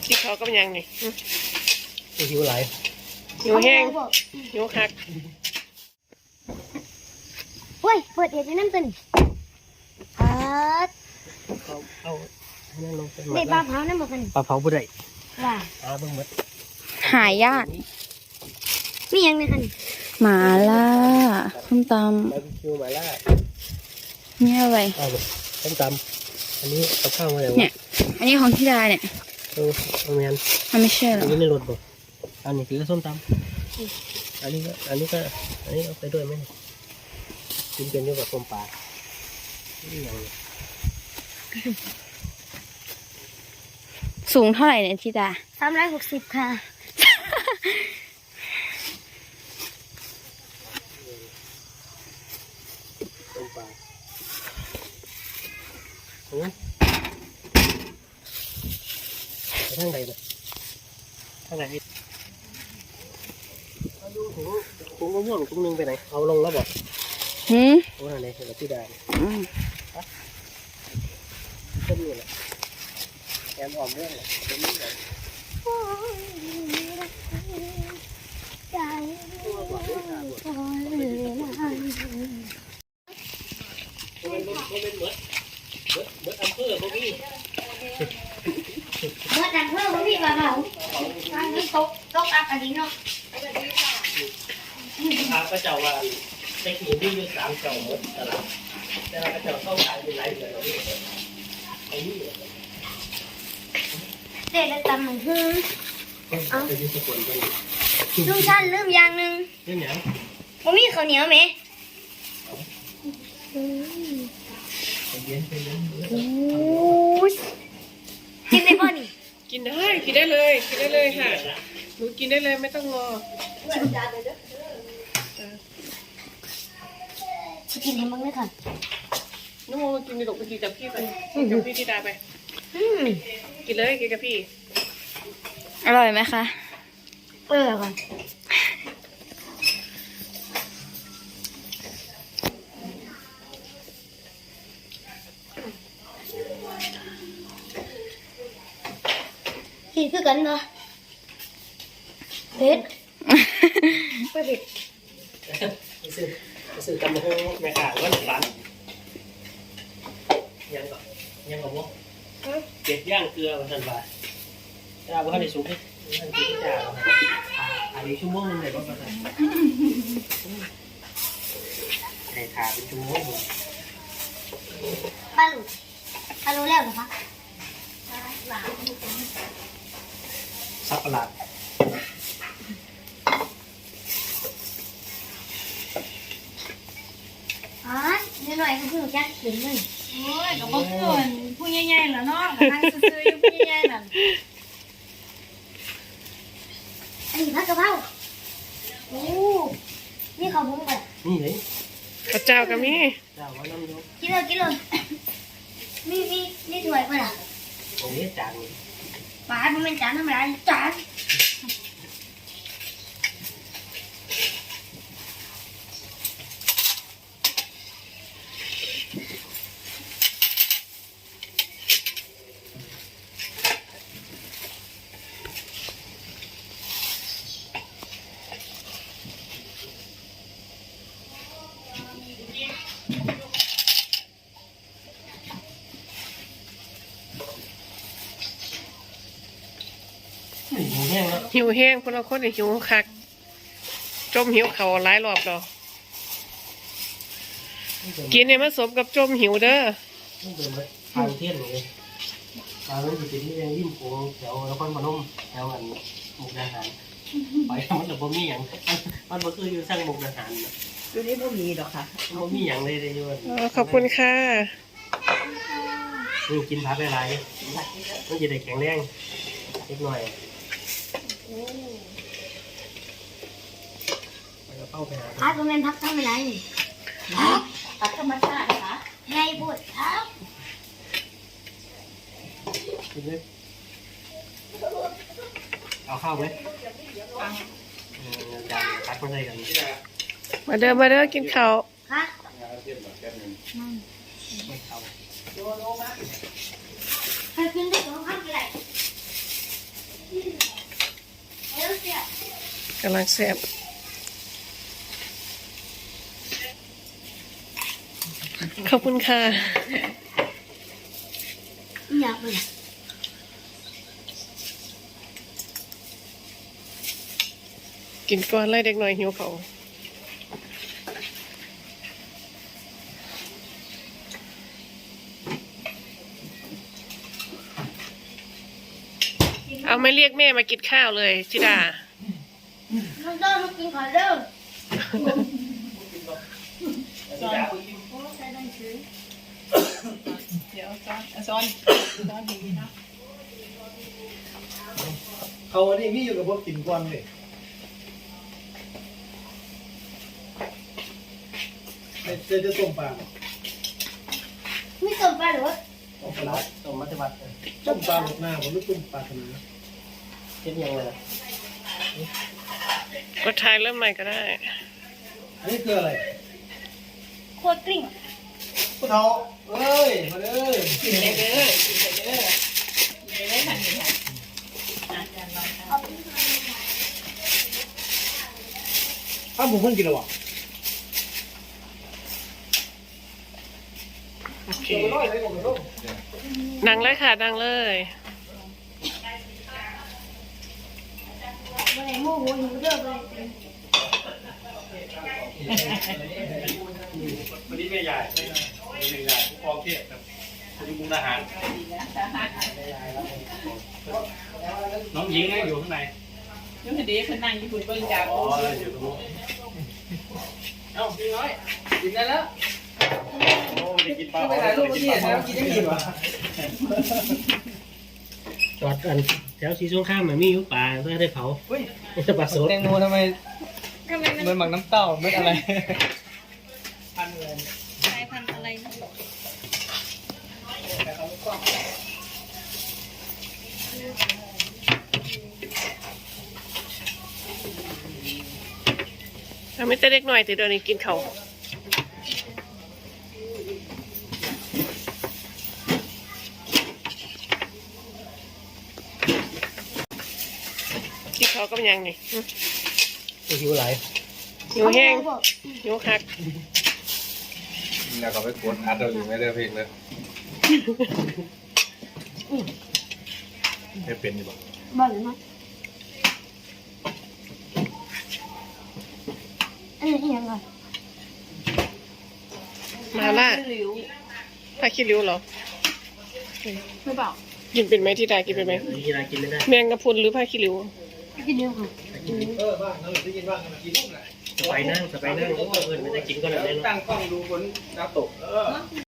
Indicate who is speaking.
Speaker 1: ที่เขาก็ยังนี่
Speaker 2: หิวไหล
Speaker 1: หิวแห้งหิวคัก
Speaker 3: เฮ้ยเปิดเดี๋ยวจะนั่งตื่น
Speaker 2: เอาให้นั่งลงเป็น
Speaker 3: ได้ปลาเผานั่นบอกกัน
Speaker 2: ปลาเผาบุได้
Speaker 3: ว่า
Speaker 2: เบิ่งหมด
Speaker 4: หายาก
Speaker 3: มียังไงกัน
Speaker 4: หมาล่าส้มต
Speaker 2: บาร์บีคิวหม่าล่า
Speaker 4: นี่อะไร
Speaker 2: ส้มตำอันนี้เอาข้าวมาแล้ว
Speaker 4: เนี่ยอันนี้ของที่ดาเนี่ย
Speaker 2: เอาแมน
Speaker 4: มันไม่ใช่หรอ
Speaker 2: อันนี้ในรถบ่อันนี้คือส้มตำอันนี้เอาไปด้วยไหมกินเป็นด้วยกับส้มปลานี่อย่างนี้
Speaker 4: สูงเท่าไหร่เนี่ยที่ดา
Speaker 3: 360ค่ะ
Speaker 2: ส้มปลาไปทางไหนเนี่ยทางไหนคุ้งก็ม่วงคุ้งนึงไปไหนเอาลงแล้วบอกโอ้ทางไหนเห็นที่ได้ต้นนี่แหละแอมอ่อมม่วงเลยต้นนี้เลยเบิดอำเภอพวกนี้
Speaker 3: เมื่อดังเพิ่มพี่ปลาเผาทางนี้ตกอับอันนี้เนาะ
Speaker 2: พระเจ้าว่าในขีดที่อยู่3เจ้าหมดตลาดแต่พระเจ้าเข้าขายเป็นไรเดือนไอ้นี่
Speaker 3: เด็ดตำหมูหุ้ม
Speaker 2: เอาไปที่สกลกัน
Speaker 3: ลุงชันลืมอย่างหนึ่ง
Speaker 2: เรื่องอย่าง
Speaker 3: ผมมีข้าวเหนียวไหมกินได้ป่ะนี่
Speaker 1: กินได้เลยค่ะหนูกินได้เลยไม่ต้องรอ
Speaker 3: จะกินให้มั้งเลยค่ะ
Speaker 1: นู่นกินในหลบไปกินกับพี่ไปกับพี่ที่ดาไปกินเลยกินกับพี่
Speaker 4: อร่อยไหมคะ
Speaker 3: ค่ะกินคือกันเนาะเผ็ดไม่เผ็ด
Speaker 2: ซื้อตำมะฮุ่งแม่ข่าว่าหนึ่งล้านยังกับว่าเก็บย่างเกลือมาทันบาทถ้าว่าในซุปมันกินที่จ่าอันนี้ชั่วโมงนึงเลยว่าประมาณในขาเป็นชั่วโมง
Speaker 3: ป้ารู้แล้วเหรอคะ
Speaker 2: สับประหลาด
Speaker 3: นิดหน่อยก็คือจักถึงเลย
Speaker 4: โอ้ยก็บอกคนผู้ใหญ่ๆแล้วเนาะนั่งซื้อๆอยู่ผู้ใหญ่ๆนั่น
Speaker 3: อันนี้ผัดกะเพราโอ้นี่ข้าวบุ้งก่อน
Speaker 2: นี่เลย
Speaker 1: ข้าวเจ้าก็มี
Speaker 2: เจ้าว่าน้ำยก
Speaker 3: กินเลยมีถ้วยป่ะล่ะ
Speaker 2: ตรงนี้จาน
Speaker 3: ปลามันเป็นจานธรรมดาจาน
Speaker 1: หิวแห้งคนละคนหิวคักจมหิวเขาหลายรอบแล้วกินเนี่ยมันสมกับจมหิวเด้อ
Speaker 2: ทางเที่ยงเลยทางนั้นอยู่ที่นี่ยังริมโขงแถวนครพนมแถวอันมุกดาหารไปมันจะบ่มีอย่างมันบ่คืออยู่สร้างมุกดาหาร
Speaker 4: อยู่นี่บ่มีดอกค่ะ
Speaker 2: บ่มีอย่างเลยอยู่
Speaker 1: ขอบคุณค่ะ
Speaker 2: กินผักหลายมันจะได้แข็งแรงนิดหน่อย
Speaker 3: พักก็เป็นพักทำอะไร
Speaker 4: ผักธรรมชาติค่ะ
Speaker 3: ให้บดครับ
Speaker 2: เอาข้าวไหมจานตักมาใส่กัน
Speaker 1: มาเด้อกินข้าว
Speaker 3: ค่ะให้กินได้สองคำก็ได้
Speaker 1: กำลังแซ่บขอบคุณค่ะ
Speaker 3: อยากเลย
Speaker 1: กินก่อนไล่เด็กหน่อยหิวเขาวเอาไม่เรียกแม่มากินข้าวเลยจิดา
Speaker 3: มันต้องมากินขอเด้อ
Speaker 4: เดี๋ยวซ้อนดีๆนะ
Speaker 5: เขาอันนี้มีอยู่กับพวกกินกวนเลยจะต้มปลา
Speaker 3: ไม่ต้มปลาหรือว่า
Speaker 5: ต้มปลา
Speaker 2: ต้มมัตวัด
Speaker 5: ต้มปลาหมกหน้าผมไม่ต้มปลาขนาด
Speaker 2: เช่นยังไงล่ะ
Speaker 1: กดทายเริ่มใหม่ก็ได้
Speaker 5: อันนี้คืออะไร
Speaker 3: โคตรกลิ้ง
Speaker 5: ผู้เฒ่าเอ้ยมาเลย
Speaker 4: กินเลยเด้อกินเลยเด้อกินเลยทันทีค่ะ
Speaker 5: อ้าวผมเพิ่งกินแล้ววะ
Speaker 1: โอเค
Speaker 5: เดี๋ยวร้อยเลยผมต้อง
Speaker 1: นั่งเลยค่ะนั่งเลย
Speaker 3: วันไหนโมโหหิวเด้อเลย
Speaker 6: วันนี้แม่ใหญ่แม่ใหญ่ผู้กองเทพครับคนที่มุกดาหารน้องหญิงอยู่ข้างใน
Speaker 4: ยังดีเพิ่นนั่งอยู่เบิ่งจาก
Speaker 6: อ๋ออยู่ตรงนู้น
Speaker 5: เอ้าพี่น้อยกินได้แล้ว
Speaker 6: โอ้ไม่ได้กินปลา
Speaker 5: ไปถ่ายรูปเมื่อกี้แล้วกินได้กี่วะ
Speaker 2: จอดกันแถวสีส้มข้ามมันมีอยู่ป่าเพื่อได้เผา
Speaker 5: เฮ้ย
Speaker 2: จะปลาสด
Speaker 5: แตงโมทำไมมันหมักน้ำเต้าไม่อะไร
Speaker 4: สายพันธุ์อะไรนะ
Speaker 1: เอาไม่แต่เด็กหน่อยติเดี๋ยวนี้กินเขาวกินเขาวก็เป็นยังนี่
Speaker 2: หิวไหล
Speaker 1: หิวแห้งหิวคัก
Speaker 6: แล้วก็ไปกดอัดเราอยู่ไม่ได้เพลงเลยไม่เป็นอยู่บ่
Speaker 3: บ่อยมั้ยอันนี้ยังไง
Speaker 1: มาล่า
Speaker 4: หลิว
Speaker 1: ผ้าขี้ริ้วเหรอ
Speaker 4: ไม่เปล่า
Speaker 1: กินเป็นไหมที่ดากินเป็นไหม
Speaker 2: กีฬากินไม่ได้
Speaker 1: แมงกะพรุนหรือผ้าขี้ริ้ว
Speaker 3: กินเร็วค่ะ
Speaker 5: บ้างนั่นได้กินบ้างกันกินพวกไหน
Speaker 2: สไปนั่งโอ้เพื่อนไม่ได้กินก็เลย
Speaker 5: ตั้งกล้องดูฝนดาวตก